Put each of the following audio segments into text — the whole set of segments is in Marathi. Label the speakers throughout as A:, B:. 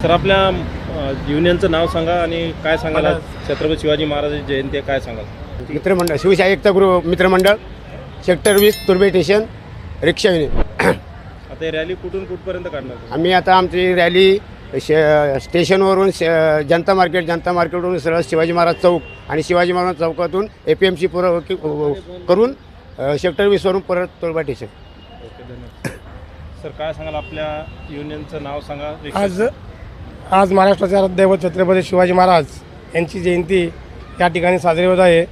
A: तर आपल्या युनियनचं नाव सांगा आणि काय सांगाल छत्रपती शिवाजी महाराजांची जयंती आहे, काय सांगाल?
B: मित्रमंडळ शिवशाही एकता गृह मित्रमंडळ सेक्टर 20 तुर्बे स्टेशन रिक्षा युनियन.
A: आता ही रॅली कुठून कुठपर्यंत काढणार?
B: आम्ही आता आमची रॅली स्टेशनवरून जनता मार्केटवरून सरळ शिवाजी महाराज चौक आणि शिवाजी महाराज चौकातून APMC करून सेक्टर 20 वरून परत तुर्बा स्टेशन.
A: ओके, धन्यवाद. सर काय सांगाल, आपल्या युनियनचं नाव सांगा.
C: आज महाराष्ट्राचे दैवत छत्रपती शिवाजी महाराज यांची जयंती या ठिकाणी साजरी होत आहे.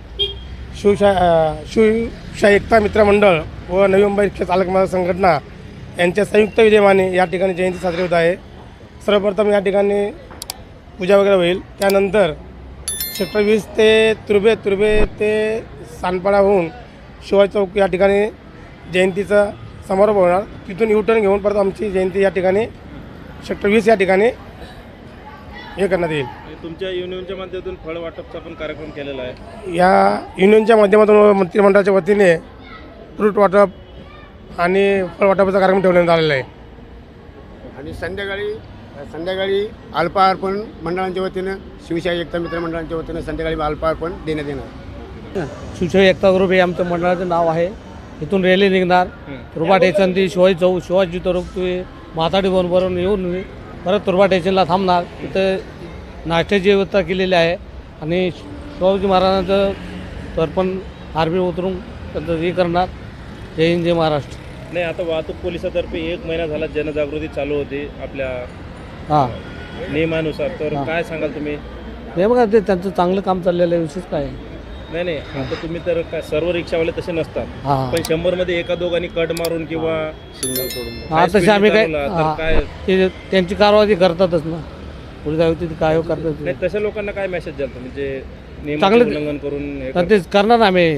C: शिवशाही एकता मित्रमंडळ व नवी मुंबई रिक्षा चालक महाराज संघटना यांच्या संयुक्त विद्यमाने या ठिकाणी जयंती साजरी होत आहे. सर्वप्रथम या ठिकाणी पूजा वगैरे होईल. त्यानंतर सेक्टर 20 ते तुर्बे ते सानपाडा होऊन शिवाजी चौक या ठिकाणी जयंतीचा समारोप होणार. तिथून U-टर्न घेऊन परत आमची जयंती या ठिकाणी सेक्टर 20 या ठिकाणी हे करण्यात येईल.
A: तुमच्या युनियनच्या माध्यमातून फळ वाटपचा पण कार्यक्रम केलेला आहे.
C: या युनियनच्या माध्यमातून मंत्रिमंडळाच्या वतीने फ्रूट वाटप आणि फळ वाटपाचा कार्यक्रम ठेवण्यात आलेला आहे.
B: आणि संध्याकाळी अल्पार्पण मंडळांच्या वतीनं शिवशाही एकता मित्रमंडळांच्या वतीनं संध्याकाळी अल्पार्पण देण्यात येणार.
D: शिवशाही एकता ग्रुप हे आमचं मंडळाचं नाव आहे. इथून रॅली निघणार तुर्बा स्टेशन ते शिवाजी चौक, शिवाजी चौक ते म्हाताडी भवनवरून येऊन परत तुर्बा स्टेशनला थांबणार. तिथं नाश्त्याची व्यवस्था केलेली आहे आणि शिवाजी महाराजांचं तर्पण आरबी उतरून त्यांचं हे करणार. जय हिंद, जय महाराष्ट्र.
A: नाही, आता वाहतूक पोलिसातर्फे 1 महिना झाला जनजागृती चालू होती आपल्या नियमानुसार, तर काय सांगाल तुम्ही?
D: हे बघा, ते त्यांचं चांगलं काम चाललेलं आहे. विशेष काय
A: नाही, आता तुम्ही तर काय सर्व रिक्षावाले तसे नसतात, पण 100 मध्ये एका दोघांनी कट मारून किंवा सिग्नल सोडून
D: तसे आम्ही
A: काय
D: ते त्यांची कारवाई करतातच ना, पोलीस आयुक्त काय करतात.
A: नाही, तशा लोकांना काय मेसेज द्याल तुम्ही जे
D: चांगलं
A: उल्लंघन करून हे
D: तर तेच करणार आम्ही.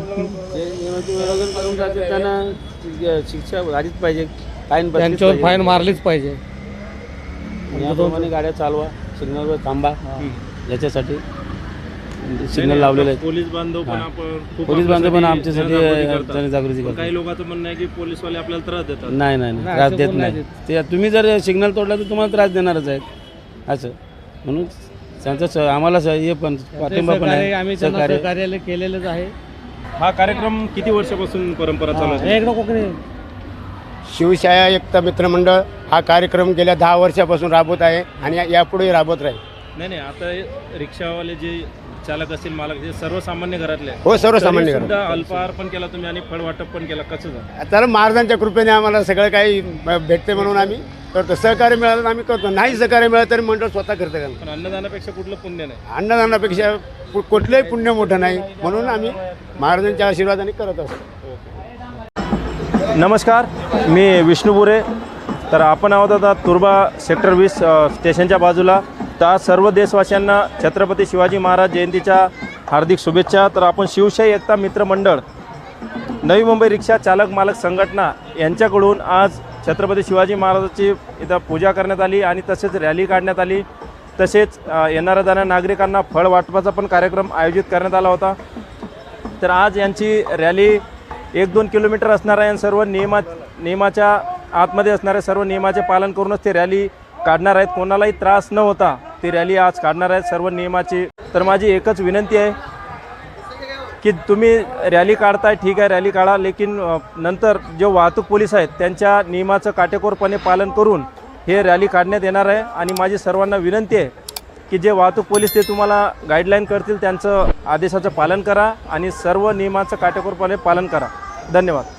E: त्यांना शिक्षा झालीच पाहिजे, फाईन
D: त्यांच्यावर फाईन मारलीच पाहिजे.
E: गाड्या चालवा, सिग्नलवर थांबा, याच्यासाठी सिग्नल लावलेलं आहे.
A: पोलीस बांधव पण आपण
E: पोलीस बांधव पण आमच्यासाठी जनजागृती करतात.
A: काही लोकांचं म्हणणं आहे की पोलीसवाले आपल्याला त्रास देतात.
E: नाही, त्रास देत नाही. ते तुम्ही जर सिग्नल तोडला तर तुम्हाला त्रास देणारच आहेत असं. म्हणून त्यांचं आम्हाला हे पण पाठिंबा पण आहे.
D: आम्ही सहकार्यालय केलेलंच आहे.
A: हा कार्यक्रम किती वर्षापासून परंपरा चालू आहे?
B: शिवशाही एकता मित्रमंडळ हा कार्यक्रम गेल्या 10 वर्षापासून राबवत आहे आणि यापुढे राबवत राहील.
A: नाही, आता रिक्षावाले जे चालक असतील, मालक जे सर्वसामान्य घरातले,
B: हो, सर्वसामान्य घरातले.
A: अल्पहार पण केला तुम्ही आणि फळ वाटप पण केला, कसं झालं?
B: तर महाराजांच्या कृपेने आम्हाला सगळं काही भेटते म्हणून आम्ही करतो. सहकार्य मिळालं तर आम्ही करतो, नाही सहकार्य मिळालं तरी मंडळ स्वतः करतं. का
A: पण अन्नदानापेक्षा कुठलं पुण्य नाही.
B: अन्नदानापेक्षा कुठलंही पुण्य मोठं नाही, म्हणून आम्ही महाराजांच्या आशीर्वादाने करत असतो.
A: नमस्कार, मी विष्णू बुरे. तर आपण आहोत आता तुर्बा सेक्टर 20 स्टेशनच्या बाजूला. तर आज सर्व देशवासियांना छत्रपती शिवाजी महाराज जयंतीच्या हार्दिक शुभेच्छा. तर आपण शिवशाही एकता मित्रमंडळ नवी मुंबई रिक्षा चालक मालक संघटना यांच्याकडून आज छत्रपती शिवाजी महाराजांची इथं पूजा करण्यात आली आणि तसेच रॅली काढण्यात आली. तसेच येणाऱ्या जाणाऱ्या नागरिकांना फळ वाटपाचा पण कार्यक्रम आयोजित करण्यात आला होता. तर आज यांची रॅली 1-2 किलोमीटर असणार आहे आणि सर्व नियमाच्या आतमध्ये असणाऱ्या सर्व नियमाचे पालन करूनच ते रॅली काढणार आहेत. कोणालाही त्रास न होता ती रॅली आज काढणार आहेत सर्व नियमाची. तर माझी एकच विनंती आहे की तुम्ही रॅली काढताय, ठीक आहे, रॅली काढा, लेकिन नंतर जे वाहतूक पोलीस आहेत त्यांच्या नियमाचं काटेकोरपणे पालन करून हे रॅली काढण्यात येणार आहे. आणि माझी सर्वांना विनंती आहे की जे वाहतूक पोलीस ते तुम्हाला गाईडलाईन करतील त्यांचं आदेशाचं पालन करा आणि सर्व नियमाचं काटेकोरपणे पालन करा. धन्यवाद.